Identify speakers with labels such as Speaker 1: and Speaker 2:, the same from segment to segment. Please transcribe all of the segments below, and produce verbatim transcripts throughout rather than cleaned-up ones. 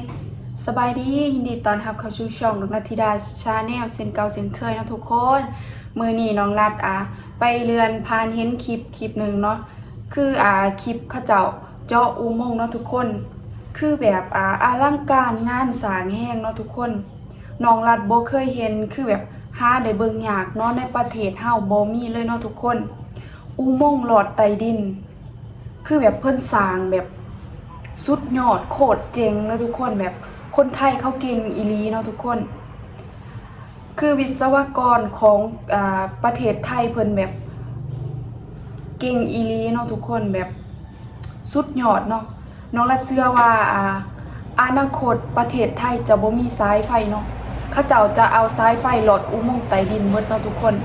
Speaker 1: สบายดียินดีตอนรับเข้าสู่ช่องนกนัทธิดาชาแนลเส้นเก่าเส้นเคยนะทุกคนมือนี้น้องรัดอ่ะไปเรือนพานเห็นคลิปคลิปหนึ่งเนาะคืออ่าคลิปเขาเจ้าเจาะอุโมงค์เนาะทุกคนคือแบบอ่าอลังการงานสร้างแห้งเนาะทุกคนน้องรัดบ่เคยเห็นคือแบบหาได้เบิ่งยากเนาะในประเทศเฮาบ่มีเลยเนาะทุกคนอุโมงค์หลอดใต้ดินคือแบบเพิ่นสร้างแบบสุดยอดโคตรเจ๋งเลยทุกคนแบบคนไทยเขาเก่งอีหลีเนาะทุกคนคือวิศวกรของอ่าประเทศไทยเพิ่นแบบเก่งอีหลีเนาะทุกคนแบบสุดยอดเนาะน้องรัดเชื่อว่าอ่าอนาคตประเทศไทยจะบ่มีสายไฟเนาะเขาเจ้าจะเอาสายไฟหลอดอุโมงค์ใต้ดินหมดเนาะทุกคน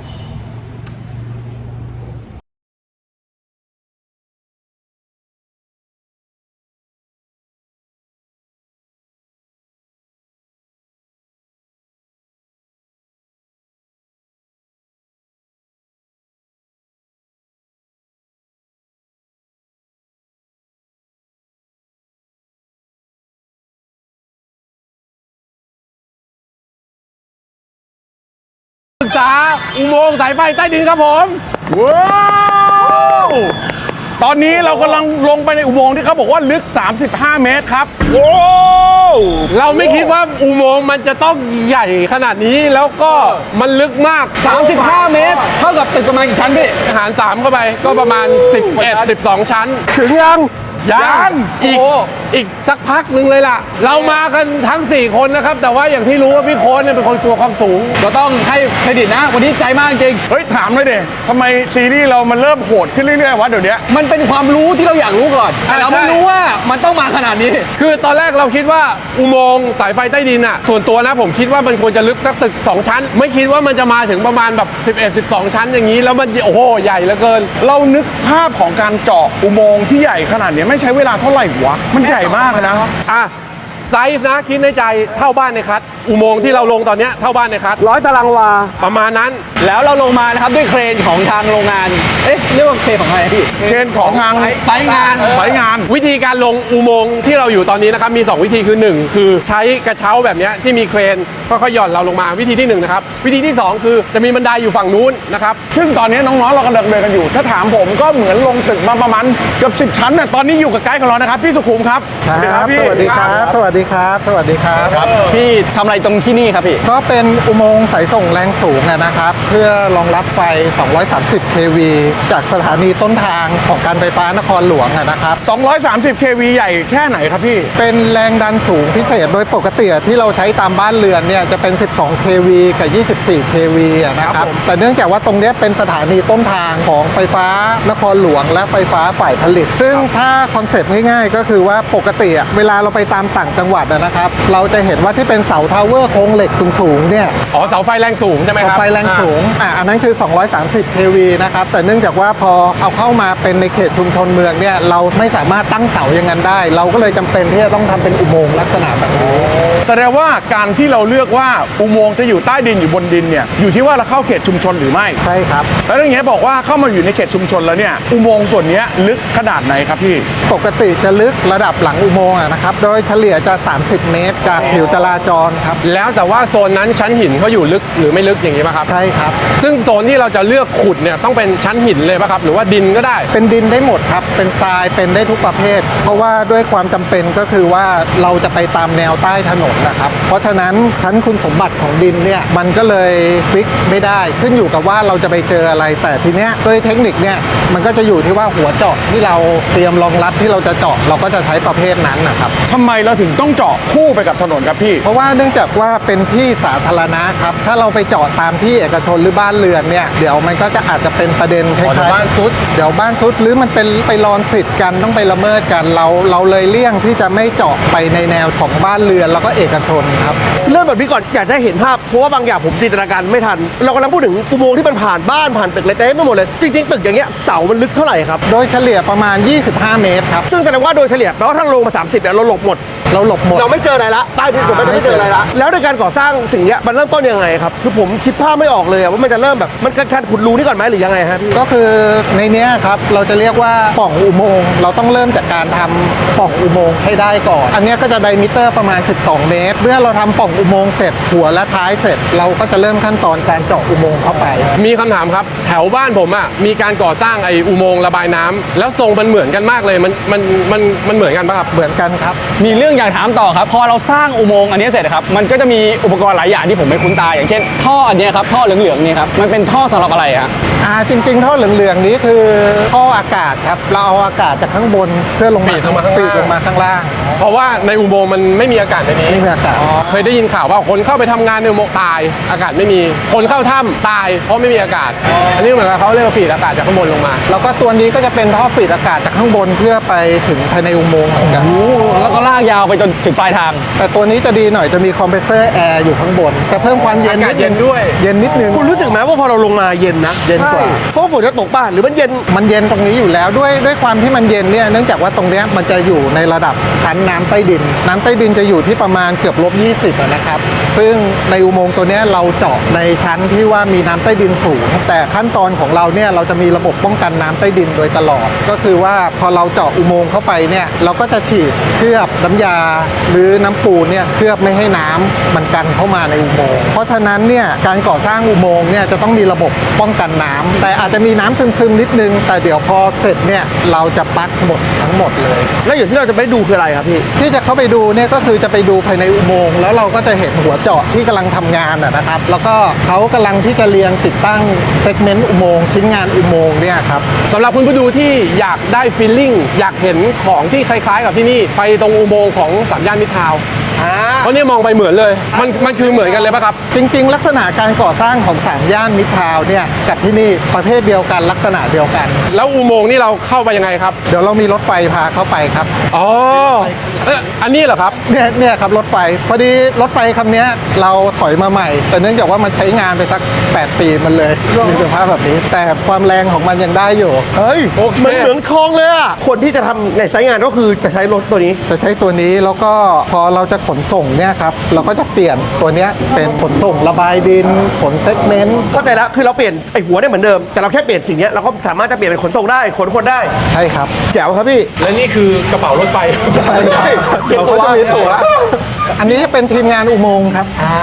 Speaker 2: ศึกษาอุโมงค์สายไฟใต้ดินครับผมว้าวตอนนี้เรากำลังลงไปในอุโมงค์ที่เขาบอกว่าลึกสามสิบห้าเมตรครับว้าวเราไม่คิดว่าอุโมงค์มันจะต้องใหญ่ขนาดนี้แล้วก็มันลึกมาก
Speaker 3: สามสิบห้าเมตรเท่ากับตึกประมาณกี่ชั้นพี่
Speaker 2: หารสามเข้าไปก็ประมาณสิบเอ็ด สิบสองชั้น
Speaker 3: ถึงยัง
Speaker 2: ยังอีกอีกสักพักหนึ่งเลยล่ะเรามากันทั้งสี่คนนะครับแต่ว่าอย่างที่รู้ว่าพี่โค้ชเนี่ยเป็นคนตัวความสูง
Speaker 3: เราต้องให้เครดิตนะวันนี้ใจมากจริง
Speaker 2: เฮ้ยถามเลยดิทำไมซีรีส์เรามันเริ่มโหดขึ้นเรื่อยๆวะเดี๋ยวนี้
Speaker 3: มันเป็นความรู้ที่เราอยากรู้ก่อนแต่เราไม่รู้ว่ามันต้องมาขนาดนี้
Speaker 2: คือตอนแรกเราคิดว่าอุโมงค์สายไฟใต้ดินอ่ะส่วนตัวนะผมคิดว่ามันควรจะลึกสักตึกสองชั้นไม่คิดว่ามันจะมาถึงประมาณแบบสิบเอ็ด สิบสองชั้นอย่างนี้แล้วมันโอ้โหใหญ่เหลือเกินเรานึกภาพของการเจาะอุโมงค์ที่ใหญ่ขนาดนี้ไม่ใช้เวลาเท่าไหร่วะมันใหญ่มากนะอ่ะไซส์นะคิดในใจเท่าบ้านในคัทอุโมงค์ที่เราลงตอนนี้เท่าบ้านในคัท
Speaker 3: ร้อยตารางวา
Speaker 2: ประมาณนั้น
Speaker 3: แล้วเราลงมานะครับด้วยเครนของทางโรงงานเอ๊ะเรียกว่าเครนของอะไรพี่
Speaker 2: เครนของทาง
Speaker 3: ไซต์งาน
Speaker 2: ไซต์งานวิธีการลงอุโมงค์ที่เราอยู่ตอนนี้นะครับมีสองวิธีคือหนึ่งคือใช้กระเช้าแบบนี้ที่มีเครนค่อยๆหย่อนเราลงมาวิธีที่หนึ่งนะครับวิธีที่สองคือจะมีบันไดอยู่ฝั่งนู้นนะครับซึ่งตอนนี้น้องๆเรากำลังเดินกันอยู่ถ้าถามผมก็เหมือนลงตึกมาประมาณเกือบสิบชั้นน่ะตอนนี้อยู่กับไกด์ของเรานะครับพี่สุขุมครับ
Speaker 4: ครับสวัสดีครับสวัสดีครับสวัสดีครับ
Speaker 3: พี่ทำอะไรตรงที่นี่ครับพี่
Speaker 4: ก็เป็นอุโมงค์สายส่งแรงสูงนะครับเพื่อรองรับไฟสองร้อยสามสิบ เค วี จากสถานีต้นทางของการไฟฟ้านครหลวงนะครับ
Speaker 2: สองร้อยสามสิบ เค วี ใหญ่แค่ไหนครับพี่
Speaker 4: เป็นแรงดันสูงพิเศษโดยปกติที่เราใช้ตามบ้านเรือนเนี่ยจะเป็นสิบสอง เค วี กับยี่สิบสี่ เค วี นะครับแต่เนื่องจากว่าตรงนี้เป็นสถานีต้นทางของไฟฟ้านครหลวงและไฟฟ้าฝ่ายผลิตซึ่งถ้าคอนเซ็ปต์ง่ายๆก็คือว่าปกติเวลาเราไปตามต่างจังหวัดนะครับเราจะเห็นว่าที่เป็นเสาทาวเวอร์โครงเหล็กสูงๆเนี่ย
Speaker 2: อ๋อเสาไฟแรงสูงใช่ไหมครับ
Speaker 4: เสาไฟแรงสูงอ่าอันนั้นคือสองร้อยสามสิบ เค วี นะครับแต่เนื่องจากว่าพอเอาเข้ามาเป็นในเขตชุมชนเมืองเนี่ยเราไม่สามารถตั้งเสาอย่างนั้นได้เราก็เลยจำเป็นที่จะต้องทำเป็นอุโมงค์ลักษณะแบบนี้
Speaker 2: แสดงว่าการที่เราเลือกว่าอุโมงค์จะอยู่ใต้ดินอยู่บนดินเนี่ยอยู่ที่ว่าเราเข้าเขตชุมชนหรือไม่
Speaker 4: ใช่ครับ
Speaker 2: แล้วอย่างเงี้ยบอกว่าเข้ามาอยู่ในเขตชุมชนแล้วเนี่ยอุโมงค์ส่วนนี้ลึกขนาดไหนครับพี่
Speaker 4: ปกติจะลึกระดับหลังอุโมงค์นะครับโดยเฉลี่ยจะสามสิบเมตรจากผิวจราจรครับ
Speaker 2: แล้วแต่ว่าโซนนั้นชั้นหินเขาอยู่ลึกหรือไม่ลึกอย่างนี้ป่ะครับ
Speaker 4: ใช่ครับ
Speaker 2: ซึ่งโซนที่เราจะเลือกขุดเนี่ยต้องเป็นชั้นหินเลยป่ะครับหรือว่าดินก็ได้
Speaker 4: เป็นดินได้หมดครับเป็นทรายเป็นได้ทุกประเภทเพราะว่าด้วยความจำเป็นก็คือว่าเราจะไปตามแนวใต้ถนนนะครับเพราะฉะนั้นชั้นคุณสมบัติของดินเนี่ยมันก็เลยฟิกไม่ได้ขึ้นอยู่กับว่าเราจะไปเจออะไรแต่ทีเนี้ยด้วยเทคนิคเนี่ยมันก็จะอยู่ที่ว่าหัวเจาะที่เราเตรียมรองรับที่เราจะเจาะเราก็จะใช้ประเภทนั้นนะครับ
Speaker 2: ทำไมเราถึงต้องเจาะคู่ไปกับถนนครับพี่
Speaker 4: เพราะว่าเนื่องจากว่าเป็นที่สาธารณะครับถ้าเราไปเจาะตามที่เอกชนหรือบ้านเรือนเนี่ยเดี๋ยวมันก็จะอาจจะเป็นประเด็นคล้ายๆ
Speaker 2: บ้านซุด
Speaker 4: เดี๋ยวบ้านซุดหรือมันเป็นไปรอนสิทธิ์กันต้องไปละเมิดกันเราเราเลยเลี่ยงที่จะไม่เจาะไปในแนวของบ้านเรือนแล้วก็เอกชนครับ
Speaker 5: เรื่องแบบนี้ก่อนอยากจะเห็นภาพเพราะว่าบางอย่างผมจินตนาการไม่ทันเรากำลังพูดถึงอุโมงค์ที่มันผ่านบ้านผ่านตึกเล็กๆไม่หมดเลยจริงๆตึกอย่างเงี้ยเสามันลึกเท่าไหร่ครับ
Speaker 4: โดยเฉลี่ยประมาณยี่สิบห้าเมตรครับ
Speaker 5: ซึ่งแสดงว่าโดยเฉลี่ยแปลว่าถ้าลงมาสามสิบเนี่ยเราหลบหมด
Speaker 4: เราหลบหมด
Speaker 5: เราไม่เจออะไรละใต้ดินผมไม่ได้ไม่เจออะไรละแล้วในการก่อสร้างสิ่งเนี้ยมันเริ่มต้นยังไงครับคือผมคิดภาพไม่ออกเลยอะว่ามันจะเริ่มแบบมันการขุดรูนี่ก่อนไหมหรือยังไงฮะพี่
Speaker 4: ก็คือในเนี้ยครับเราจะเรียกว่าปล่องอุโมงค์เราต้องเริ่มจากการทำปล่องอุโมงค์ให้ได้ก่อนอันเนี้ยก็จะไดมิเตอร์ประมาณสิบสองเมตรเมื่อเราทำปล่องอุโมงค์เสร็จหัวและท้ายเสร็จ เราก็จะเริ่มขั้นตอนการเจาะอุโมงค์เข้าไป
Speaker 2: มีคำถามครับแถวบ้านผมอ่ะมีการก่อสร้างไอ้อุโมงค์ระบายน้ำแล้วทรงมันเหมือนกันมากเลยมันมันมันมันเหมือนกันปะครับ
Speaker 4: เหมือนกันครับ
Speaker 3: มีเรื่องอยากถามต่อครับ พอเราสร้างอุโมงค์อันนี้เสร็จครับมันก็จะมีอุปกรณ์หลายอย่างที่ผมไม่คุ้นตาอย่างเช่น ท่ออันเนี้ยครับท่อเหลืองๆเนี่ยครับมันเป็นท่อสำหรับอะไรฮะ
Speaker 4: อ่าจริงๆท่อเหลืองๆนี้คือท่ออากาศครับเราเอาอากาศจากข้างบนเพื่อลงมา
Speaker 2: ฟีดลงมาข้างล่าง
Speaker 4: ฟีดลงมาข้างล่าง
Speaker 2: เพราะว่าในอุโมงค์มันไม่มีอากาศในนี้
Speaker 4: นี่คืออากาศ
Speaker 2: เคยได้ยินข่าวว่าคนเข้าไปทำงานในอุโมงค์ตายอากาศไม่มีคนเข้าถ้ำตายเพราะไม่มีอากาศ อันนี้เหมือนกับเขาเรียกว่าฟีดอากาศจากข้างบนลงมา
Speaker 4: แล้วก็ตัวนี้ก็จะเป็นท่อฟีดอากาศจากข้างบนเพื่อไปถึงภายในอุโมงค์เหมือนกัน
Speaker 3: แล้วก็ลากยาวไปจนถึงปลายทาง
Speaker 4: แต่ตัวนี้จะดีหน่อยจะมีคอมเพรสเซอร์แอร์อยู่ข้างบนจะเพิ่มความเย็น
Speaker 2: อากาศเย็นด้วย
Speaker 4: เย็นนิดนึง
Speaker 5: คุณรู้สึกไหมว่าพอเราลงมาเย็นนะ
Speaker 4: เย็นกว่า
Speaker 5: ใช่เพราะว่าฝนจะตกป่ะหรือมันเย็น
Speaker 4: มันเย็นตรงนี้อยู่แล้วด้วยด้วยความที่มันเย็นเนี่ยเนื่องจากว่าตรงเนี้ยมันจะอยู่ในระดับชั้นน้ำใต้ดิน น้ำใต้ดินจะอยู่ที่ประมาณเกือบลบยี่สิบนะครับ ซึ่งในอุโมงค์ตัวเนี้ยเราเจาะในชั้นที่ว่ามีน้ำใต้ดินสูง แต่ขั้นตอนของเราเนี่ยเราจะมีระบบป้องกันน้ำใต้ดินโดยตลอด ก็คือว่าพอเราเจาะอุโมงค์เข้าไปเนี่ยเราก็จะฉีดเคลือบน้ำยา หรือน้ำปูนเนี่ยเคลือบไม่ให้น้ำมันกันเข้ามาในอุโมงค์เพราะฉะนั้นเนี่ยการก่อสร้างอุโมงค์เนี่ยจะต้องมีระบบป้องกันน้ำแต่อาจจะมีน้ำซึมๆนิดนึง แต่เดี๋ยวพอเสร็จเนี่ยเราจะปลั๊กหมดทั้งหมดเลย
Speaker 5: แล้วอย่างที่เราจะไปดูคืออะไรครับพี่
Speaker 4: ที่จะเข้าไปดูเนี่ยก็คือจะไปดูภายในอุโมงค์แล้วเราก็จะเห็นหัวเจาะที่กำลังทำงานนะนะครับ แล้วก็เขากำลังที่จะเรียงติดตั้งเซกเมนต์อุโมงค์ชิ้นงานอุโมงค์เนี่ยครับ
Speaker 2: สำหรับคุณผู้ดูที่อยากได้ฟีลลิ่งอยากเห็นของที่คล้ายๆ กับที่นี่ไปตรงอุโมงค์ของสามย่านมิตรทาวน์เพราะเนี่ยมองไปเหมือนเลยมันมันคือเหมือนกันเลยปะครับ
Speaker 4: จริงๆ ลักษณะการก่อสร้างของสามย่านมิตรทาวน์เนี่ยกับที่นี่ประเภทเดียวกันลักษณะเดียวกัน
Speaker 2: แล้วอุโมงค์นี่เราเข้าไปยังไงครับ
Speaker 4: เดี๋ยวเรามีรถไฟพาเข้าไปครับ
Speaker 2: อ๋อเอ๊ะอันนี้เหรอครับ
Speaker 4: เนี่ยเนี่ยครับรถไฟพอดีรถไฟคำเนี้ยเราถอยมาใหม่ แต่เนื่องจากว่ามันใช้งานไปสักแปดปีมันเลยมีสภาพแบบนี้ แต่ความแรงของมันยังได้อยู่
Speaker 5: เฮ้ย
Speaker 2: โอเค
Speaker 5: เหมือนเหมืองทองเลยอะคนที่จะทำในไซต์งานก็คือจะใช้รถตัวนี้
Speaker 4: จะใช้ตัวนี้แล้วก็พอเราจะขนส่งเนี่ยครับเราก็จะเปลี่ยนตัวเนี้ยเป็นขนส่งระบายดินขนเซกเมนต์
Speaker 5: เข้าใจแล้วคือเราเปลี่ยนไอหัวได้เหมือนเดิมแต่เราแค่เปลี่ยนสิ่งเนี้ยเราก็สามารถจะเปลี่ยนเป็นขนส่งได้ขนคนได้
Speaker 4: ใช่ครับ
Speaker 5: แจ๋วครับพี่
Speaker 2: และนี่คือกระเป๋ารถไฟ
Speaker 5: ใช่
Speaker 4: เราก็จะมีตั๋วอันนี้จะเป็นทีมงานอุโมงค์ครับ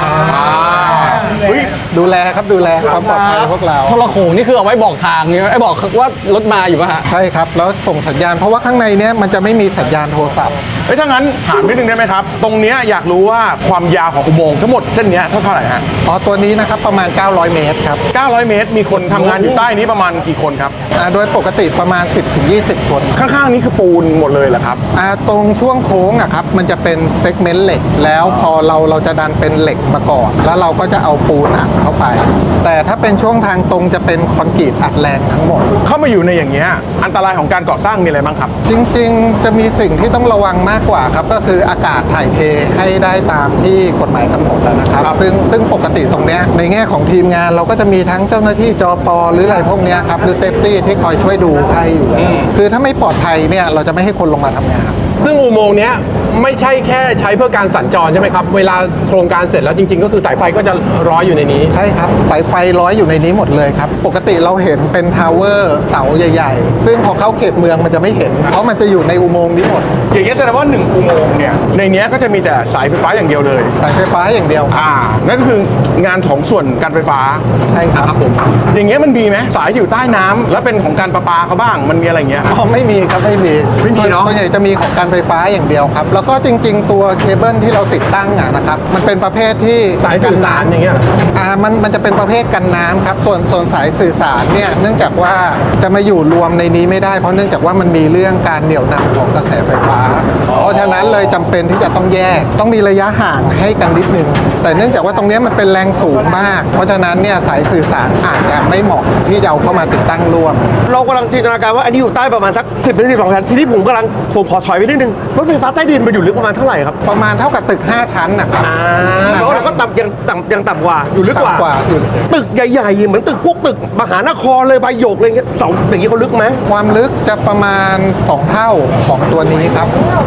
Speaker 4: ดูแลครับดูแลความปลอดภัยพวกเรา
Speaker 3: โทรโขงนี่คือเอาไว้บอกทางใช่ไหมไอ้บอกว่ารถมาอยู่ป่ะฮะ
Speaker 4: ใช่ครับแล้วส่งสัญญาณเพราะว่าข้างในเนี้ยมันจะไม่มีสัญญาณโทรศัพท์
Speaker 6: เฮ้ยถ้างั้นถามนิดนึงได้ไหมครับ ตรงเนี้ยอยากรู้ว่าความยาวของอุโมงค์ทั้งหมดเส้นเนี้ยเท่าเท่าไหร่ฮะ
Speaker 4: อ๋อตัวนี้นะครับประมาณเก้าร้อยเมตรครับ
Speaker 6: เก้าร้อยเมตร มีคนทำงานอยู่ใต้นี้ประมาณกี่คนครับ
Speaker 4: อ่าโดยปกติประมาณ สิบถึงยี่สิบ คน
Speaker 6: ข้างๆนี้คือปูนหมดเลยเหรอครับ
Speaker 4: อ่าตรงช่วงโค้งอะครับมันจะเป็นเซกเมนต์เหล็ก แล้วพอเราเราจะดันเป็นเหล็กมาก่อนแล้วเราก็จะเอาปูนอัดเข้าไป แต่ถ้าเป็นช่วงทางตรงจะเป็นคอนกรีตอัดแรงทั้งหมด
Speaker 6: เข้ามาอยู่ในอย่างเงี้ยอันตรายของการก่อสร้างมีอะไรบ้างครับ
Speaker 4: จริงๆ จะมีสิ่งที่ต้องระวังมากกว่าครับก็คืออากาศถ่ายเทให้ได้ตามที่กฎหมายกำหนดแล้วนะครับ
Speaker 6: ครับ
Speaker 4: ซึ่งซึ่งปกติตรงเนี้ยในแง่ของทีมงานเราก็จะมีทั้งเจ้าหน้าที่จอปอหรืออะไรพวกเนี้ยครับหรือเซฟตี้ที่คอยช่วยดูให้อยู่แล้วคือถ้าไม่ปลอดภัยเนี่ยเราจะไม่ให้คนลงมาทำงาน
Speaker 2: ซึ่งอุโมงค์เนี้ยไม่ใช่แค่ใช้เพื่อการสัญจรใช่ไหมครับ เวลาโครงการเสร็จแล้วจริง ๆ ก็คือสายไฟก็จะร้อยอยู่ในนี้
Speaker 4: ใช่ครับสายไฟร้อยอยู่ในนี้หมดเลยครับ ปกติเราเห็นเป็นทาวเวอร์เสาใหญ่ๆ ซึ่งพอเข้าเขตเมืองมันจะไม่เห็น เพราะมันจะอยู่ในอุโมงค์นี้หมด
Speaker 6: อย่างเงี้ยแสดงว่าหนึ่งอุโมงค์เนี่ยในเนี้ยก็จะมีแต่สายไฟฟ้าอย่างเดียวเลย
Speaker 4: สายไฟฟ้าอย่างเดียวครับ
Speaker 6: อ่านั่นก็คืองานของส่วนการไฟฟ้า
Speaker 4: ใช่ครับ
Speaker 6: นะครับผมอย่างเงี้ยมันมีไหมสายอยู่ใต้น้ำแล้วเป็นของการประปาเขาบ้างมันมีอะไรอย่างเงี้ย
Speaker 4: อ๋อไม่มีครับไม่มี
Speaker 6: ไม่มีเนอะ
Speaker 4: ส่วนใหญ่จะมีของการไฟฟ้าอย่างเดียวครับ แล้วก็จริง ๆ ตัวเคเบิลที่เราติดตั้งอะนะครับมันเป็นประเภทที่
Speaker 2: สายสื่อสารอย่างเงี้ย
Speaker 4: อ่ามันมันจะเป็นประเภทกันน้ำครับส่วนส่วนสายสื่อสารเนี่ยเนื่องจากว่าจะมาอยู่รวมในนี้ไม่ได้เพราะเนื่องจากว่ามันมีเรื่องการเหนี่ยวนำของกระแสไฟฟ้า เพราะฉะนั้นเลยจำเป็นที่จะต้องแยกต้องมีระยะห่างให้กันนิดนึงแต่เนื่องจากว่าตรงเนี้ยมันเป็นแรงสูงมาก เพราะฉะนั้นเนี่ยสายสื่อสารอาจจะไม่เหมาะที่จะเอาเข้ามาติดตั้งร่วม
Speaker 5: เรากำลังจินตนาการว่าอันนี้อยู่ใต้ประมาณสักสิบถึงสิบสองชั้นทีนี้ผมกำลังผมขอถอยไปนิดนึงรถไฟฟ้าใต้ดินมันอยู่ลึกประมาณเท่าไหร่ครับ
Speaker 4: ประมาณเท่ากับตึกห้าชั้นนะครับ
Speaker 5: แล้วเราก็ต่ำยังต่ำยังต่ำกว่าอยู่ลึกกว่า
Speaker 4: ต่ำกว่าอยู่
Speaker 5: ตึกใหญ่ๆเหมือนตึกพวกตึกมหานครเลยใบหยกอะไรเงี้ยเสาอย่างนี้เขาลึกไหม
Speaker 4: ความลึกจะประมาณสองเท่าของตัวนี้ครับถ้าเป็น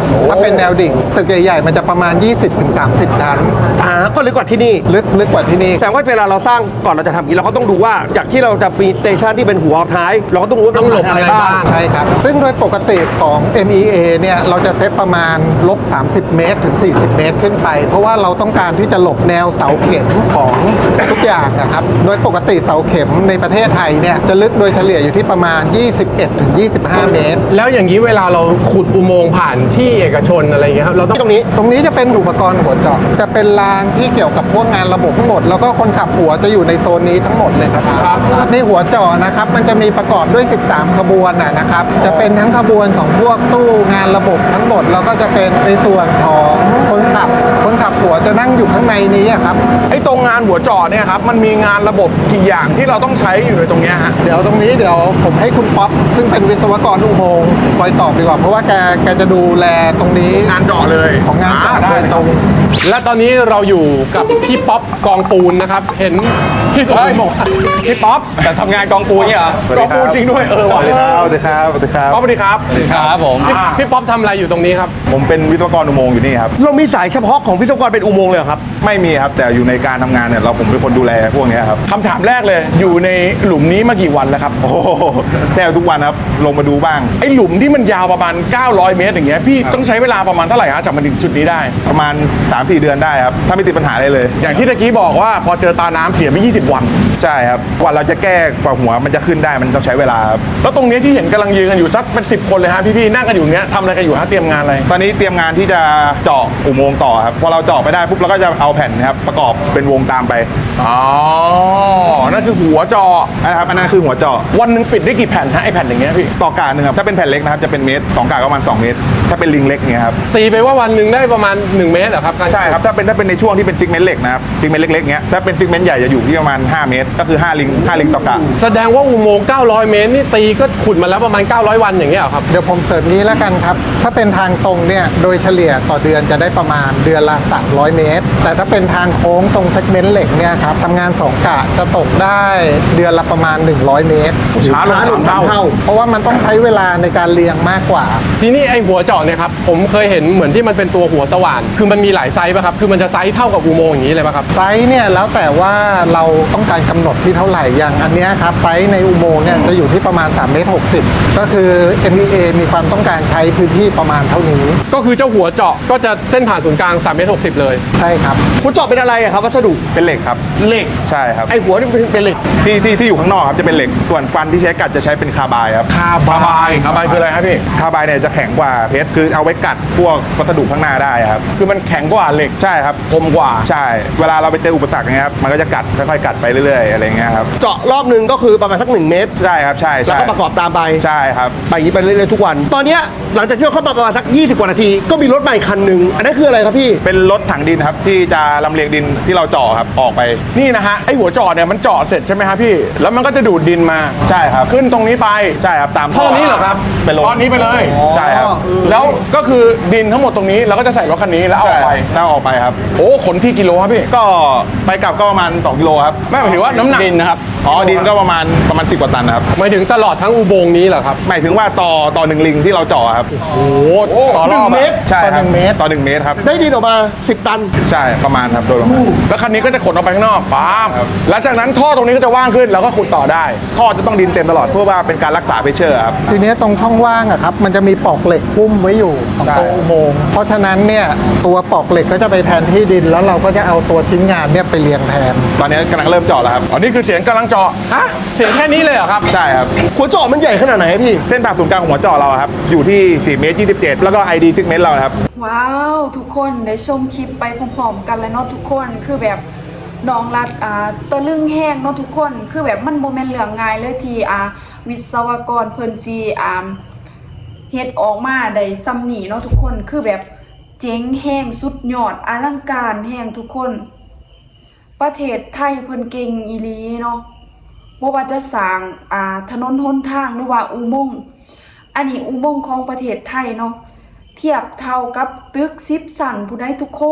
Speaker 4: เป็นแนวดิ่งตึกใหญ่ๆมันจะประมาณ ยี่สิบถึงสามสิบ ชั้น
Speaker 5: อ่าก็ลึกกว่าที่นี่
Speaker 4: ลึกลึกกว่าที่นี่
Speaker 5: แสดงว่าเวลาเราสร้างก่อนเราจะทำอย่างนี้เราก็ต้องดูว่าจากที่เราจะมีสเตชันที่เป็นหัวท้าย เราก็ต้องรู้ว่า
Speaker 2: ต้องหลบ
Speaker 5: อะไร
Speaker 2: อะไร
Speaker 5: บ้า
Speaker 2: บ้าง ง
Speaker 4: ใช่ครับ ซึ่งโดยปกติของ เอ็ม อี เอ เนี่ยเราจะเซตประมาณลบสามสิบเมตรถึงสี่สิบเมตรขึ้นไป เพราะว่าเราต้องการที่จะหลบแนวเสาเข็มของทุกอย่างนะครับ โดยปกติเสาเข็มในประเทศไทยเนี่ยจะลึกโดยเฉลี่ยอยู่ที่ประมาณ ยี่สิบเอ็ดถึงยี่สิบห้า เมตร
Speaker 2: แล้วอย่างนี้เวลาเราขุดอุโมงค์ผ่านที่เอกชนอะไรอย่างเงี้ยครับเราต้อง
Speaker 5: ตรงนี้
Speaker 4: ตรงนี้จะเป็นอุปกรณ์หัวเจาะจะเป็นรางที่เกี่ยวกับพวกงานระบบทั้งหมด แล้วก็คนขับหัวจะอยู่ในโซนนี้ทั้งหมดเลยครับในหัวเจาะนะครับมันจะมีประกอบด้วย สิบสาม ขบวนนะนะครับ จะเป็นทั้งขบวนของพวกตู้งานระบบทั้งหมด แล้วก็จะเป็นในส่วนของคนขับ คนขับหัวจะนั่งอยู่ข้างในนี้อะครับ
Speaker 6: ไอ้ตรงงานหัวจอเนี่ยครับมันมีงานระบบกี่อย่างที่เราต้องใช้อยู่ในตรงเนี้ยฮะ
Speaker 4: เดี๋ยวตรงนี้เดี๋ยวผมให้คุณป๊อปซึ่งเป็นวิศวกรอุโมงค์คอยตอบดีกว่าเพราะว่าแกแกจะดูแลตรงนี้
Speaker 6: งานเจาะเลย
Speaker 4: ของงานเจาะ
Speaker 6: อ่
Speaker 4: โดยตรง
Speaker 2: และตอนนี้เราอยู่กับพี่ป๊อปกองปูนนะครับ เห็นพี่สมบูรณ์บอกว่า
Speaker 3: พี่ป๊อปแต่ทำงานกองปูนเนี่ยเหรอก
Speaker 6: องปูนจริงด้วยเออว่ะ
Speaker 7: สวัสดีครับสวัสดีครับสวัสดีครับ
Speaker 6: ป๊อปสวัสดีครับ
Speaker 3: ครับผม
Speaker 2: พี่พี่ป๊อปทำอะไรอยู่ตรงนี้ครับ
Speaker 7: ผมเป็นวิศวกรอุโมงค์อยู่นี่ครับ
Speaker 5: เรามีสายเฉพาะของวิศวกรเป็นอุโมงค์เลยเหรอครับ
Speaker 7: ไม่มีครับ แต่อยู่ในการทำงานเนี่ยเราผมเป็นคนดูแลพวกเนี้ยครับ
Speaker 6: คำถามแรกเลยอยู่ในหลุมนี้มากี่วันแล้วครับ
Speaker 7: โอ้โหแทบทุกวันครับ ลงมาดูบ้าง
Speaker 6: ไอ้หลุมที่มันยาวประมาณเก้าร้อยเมตรอย่างเงี้ยพี่ต้องใช้เวลาประมาณเท่าไหร่ฮะจากมาถึงจุดนี้ได้
Speaker 7: ประมาณ สามสี่ เดือนได้ครับ ถ้าไม่ติดปัญหาอะไรเลย
Speaker 6: อย่างที่ตะกี้บอกว่าพอเจอตาน้ำเสียไปยี่สิบวัน
Speaker 7: ใช่ครับ กว่าเราจะแก้กว่าหัวมันจะขึ้นได้มันต้องใช้เวลาครับ
Speaker 6: แล้วตรงเนี้ยที่เห็นกำลังยืนกันอยู่สักเป็นสิบคนเลยฮะพี่ๆนั่งกันอยู่เนี้ยทำอะไรกันอยู่ฮะเตรียมงานอะไร
Speaker 7: ตอนนี้เตรียมงานที่จะเจาะอุโมงค์ต่อครับ พอเราเจาะไปได้ปุ๊บเราก็จะเอาแผ่นนะครับประกอบเป็นวงตามไป
Speaker 6: อ๋อ นั่นคือหัวจอ
Speaker 7: นะครับ อันนั้นคือหัวเจาะ
Speaker 6: วันหนึ่งปิดได้กี่แผ่นฮะไอแผ่นอย่างเงี้ยพี่
Speaker 7: ต่อกาหนึ่งครับ ถ้าเป็นแผ่นเล็กนะครับจะเป็นเมตรสองกาก็ประมาณสองเมตร ถ้าเป็นลิงเล็กเนี่ยครับ
Speaker 2: ตีไปว่าวันหนึ่งได้ประมาณหนึ่งเมตรเหรอครับการ
Speaker 7: ใช่ครับ ถ้าเป็นถ้าเป็นในช่วงที่เป็นฟิกเมนต์เหล็กนะครับ ฟิกเมนต์เล็กๆเงี้ย ถ้าเป็นฟิกเมนต์ใหญ่จะอยู่ที่ประมาณห้าเมตร ก็คือห้าลิงห้าลิงต่อกะ
Speaker 2: แสดงว่าอุโมงค์เก้าร้อยเมตรนี่ตีก็ขุดมาแล้วประมาณเก้าร้อยวันอย่างเงี้ยเหรอครับ
Speaker 4: เดี๋ยวผมเสริมนี้แล้วกันครับ ถ้าเป็นทางตรงเนี่ย โดยเฉลี่ยต่อเดือนจะได้ประมาณเดือนละ สามร้อย เมตร แต่ถ้าเป็นทางโค้งตรงเซกเมนต์เหล็กเนี่ยครับทำงานสองกะจะตกได้เดือนละประมาณ หนึ่งร้อย เมตร
Speaker 6: ช้าลงสามเท่า
Speaker 4: เพราะว่ามันต้องใช้เวลาในการเรียงมากกว่า
Speaker 2: ทีนี้ไอหัวเจาะเนี่ยครับผมเคยเห็นเหมือนที่มันเป็นตัวหัวสว่านคือมันมีหลายไซส์ป่ะครับคือมันจะไซส์เท่ากับอุโมงค์อย่างนี้เลยป่ะครับ
Speaker 4: ไซส์เนี่ยแล้วแต่ว่าเราต้องการกำหนดที่เท่าไหร่อย่างอันเนี้ยครับไซส์ในอุโมงค์เนี่ยจะอยู่ที่ประมาณสามเมตรหกสิบก็คือ เอ็ม อี เอ มีความต้องการใช้พื้นที่ประมาณเท่านี้
Speaker 2: ก็คือเจ้าหัวเจาะก็จะเส้นผ่านศูนย์กลางสามเมตรหกสิบเลย
Speaker 4: ใช่ครับ
Speaker 5: คุณเจาะเป็นอะไรอะครับวัสดุ
Speaker 7: เป็นเหล็กครับ
Speaker 5: เหล็ก
Speaker 7: ใช่ครับ
Speaker 5: ไอหัวนี่เป็นเป็นเหล็ก
Speaker 7: ที่ที่ที่อยู่ข้างนอกครับจะเป็นเหล็ก ส่วนฟันที่ใช้กัดจะใช้เป็นคาร์บายครับ
Speaker 6: คาบายคาบายคืออะไรครับพี่
Speaker 7: คาร์บายเนี่ยจะแข็งกว่าเพชรคือเอาไว้กัดพวกวัสดุข้างหน้าได้ครับ
Speaker 6: คือมันแข็งกว่าเหล็ก
Speaker 7: ใช่ครับ
Speaker 6: คมกว่า
Speaker 7: ใช่ เวลาเราไปเจออุปสรรคอย่างเงี้ยครับมันก็จะกัดค่อยๆกัดไปเรื่อยๆอะไรเงี้ยครับ
Speaker 5: เจาะรอบหนึ่งก็คือประมาณสักหนึ่งเมตร
Speaker 7: ใช่ครับใช่
Speaker 5: แล้ว
Speaker 7: ใช่
Speaker 5: ก็ประกอบตามไป
Speaker 7: ใช่ครับ
Speaker 5: ไปอย่างนี้ไปเรื่อยๆทุกวัน ตอนเนี้ยหลังจากที่เราเข้ามาประมาณสักยี่สิบกว่านาที ก็มีรถใหม่คันหนึ่งอันนั้นคืออะไรครับพี่
Speaker 7: เป็นรถถังดินครับที่จะลำเลียงดินที่เราเจาะครับออกไป
Speaker 6: นี่นะฮะไอหัวจอเนี่ยมันเจาะเสร็จใช่ไหมครับพี่ แล้วมันก็จะดูดดินมา
Speaker 7: ใช่ครับ
Speaker 6: ขึ้นตรงนี้ไป
Speaker 7: ใช่ครับตาม
Speaker 6: ท่อนี้เหรอครับ
Speaker 7: เป็นลง
Speaker 6: ท่อนี้ไปเลย
Speaker 7: ใช่ครับ
Speaker 6: แล้วก็คือดินทั้งหมดตรงนี้แล้วก็จะใส่รถคันนี้แล้วเอาออกไป
Speaker 7: ใช่เอาออกไปครับ
Speaker 6: โอ้ขนที่กิโลครับพี่
Speaker 7: ก็ไปกลับก็ประมาณสองกิโลครับ
Speaker 6: ไม่หมายถึงว่าน้ำหนัก
Speaker 3: ดินนะครับ
Speaker 7: อ๋อดินก็ประมาณประมาณสิบกว่าตันนะครับ
Speaker 2: หมายถึงตลอดทั้งอุโมงค์นี้เหรอครับ
Speaker 7: หมายถึงว่าต่อต่อหนึ่งลิงที่เราเจาะครับ
Speaker 6: โอ้โหต่อรอบ
Speaker 5: หนึ่งเม
Speaker 6: อะ
Speaker 5: ตร
Speaker 7: ใช่ครับ
Speaker 4: ต่อหนึ่งเมตร
Speaker 7: ต่อหนึ่งเมตรครับ
Speaker 5: ได้ดินออกมาสิบตัน
Speaker 7: ใช่ประมาณครับโดยประมาณ
Speaker 6: แล้วคันนี้ก็จะขนออกไปข้างนอกป๊าบแล้วจากนั้นท่อตรงนี้ก็จะว่างขึ้นแล้วก็ขุดต่อได้
Speaker 7: ท่อจะต้องดินเต็มตลอดเพื่อว่าเป็นการรักษาเพชเชอร์ครับ
Speaker 4: ทีเนี้ยตรงช่องว่างอะครับมันจะมีปลอกเหล็กหุ้มไว้อยู่ของ
Speaker 7: ใช่
Speaker 4: ตัวอุโมงค์เพราะฉะนั้นเนี่ยตัวปลอกเหล็กก็จะไปแทนที่ดิน แล้วเราก็จะเอาตัวชิ้นงานเนี่ยไปเรียงแทน
Speaker 7: ตอนนี้กำลังเริ่มเจาะแล้วครับ
Speaker 6: อ๋อนี่คือเสียงกำลังเจาะ
Speaker 2: ฮะ เสียงแค่นี้เลยเหรอครับ
Speaker 7: ใช่ครับ
Speaker 5: หัวเจาะมันใหญ่ขนาดไหนครับพี่
Speaker 7: เส้นผ่าศูนย์กลางของหัวเจาะเราครับอยู่ที่สี่เมตรยี่สิบเจ็ดแล้วก็ ไอ ดี ซิกเมนต์เราครับ
Speaker 1: ว้าวทุกคนได้ชมคลิปไปพร้อมๆกันเลยเนาะทุกคนคือแบบน้องรัดอ่าตะลึงแห้งเนาะทุกคนคือแบบมันโมเมนต์เหลืองง่ายเลยที่อ่าวิศวกรเพิ่นซีอ่าเฮ็ดออกมาได้ซ้ำนี่เนาะทุกคนคือแบบเจ๋งแห้งสุดยอดอลังการแห้งทุกคนประเทศไทยเพิ่นเก่งอีหลีเนาะบ่ว่าจะสร้างอ่าถนนหนทางหรือว่าอุโมงค์อันนี้อุโมงค์ของประเทศไทยเนาะเทียบเท่ากับตึกสิบสั่นผู้ใดทุกคน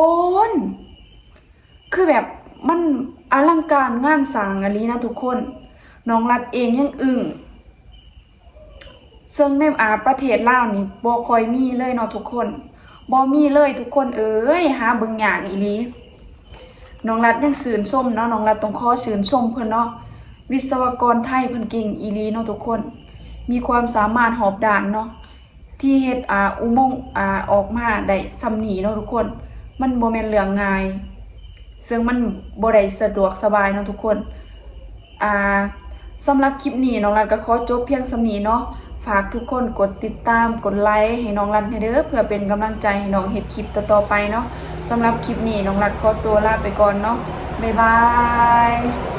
Speaker 1: คือแบบมันอลังการงานสร้างอะลีนะทุกคนน้องรัดเองยังอึ้งซึ่งในอาประเทศลาวนี่บ่ค่อยมีเลยเนาะทุกคนบ่มีเลยทุกคนเอ้ยหาเบิ่งยากอีหลีน้องรัดยังสื่นส้มเนาะน้องรัดต้องขอสื่นส้มเพิ่นเนาะวิศวกรไทยเพิ่นเก่งอีหลีเนาะทุกคนมีความสามารถหอบด่านเนาะที่เฮ็ดอ่าอุโมงค์อ่าออกมาได้ซำนี้เนาะทุกคนมันบ่แม่นเรื่องง่ายซึ่งมันบ่ได้สะดวกสบายเนาะทุกคนอ่าสำหรับคลิปนี้น้องรัดก็ขอจบเพียงสำนี้เนาะฝากทุกคนกดติดตามกดไลค์ให้น้องรัดให้เด้อเพื่อเป็นกำลังใจให้น้องเฮ็ดคลิปต่อๆไปเนาะสำหรับคลิปนี้น้องรัดขอตัวลาไปก่อนเนาะบ๊ายบาย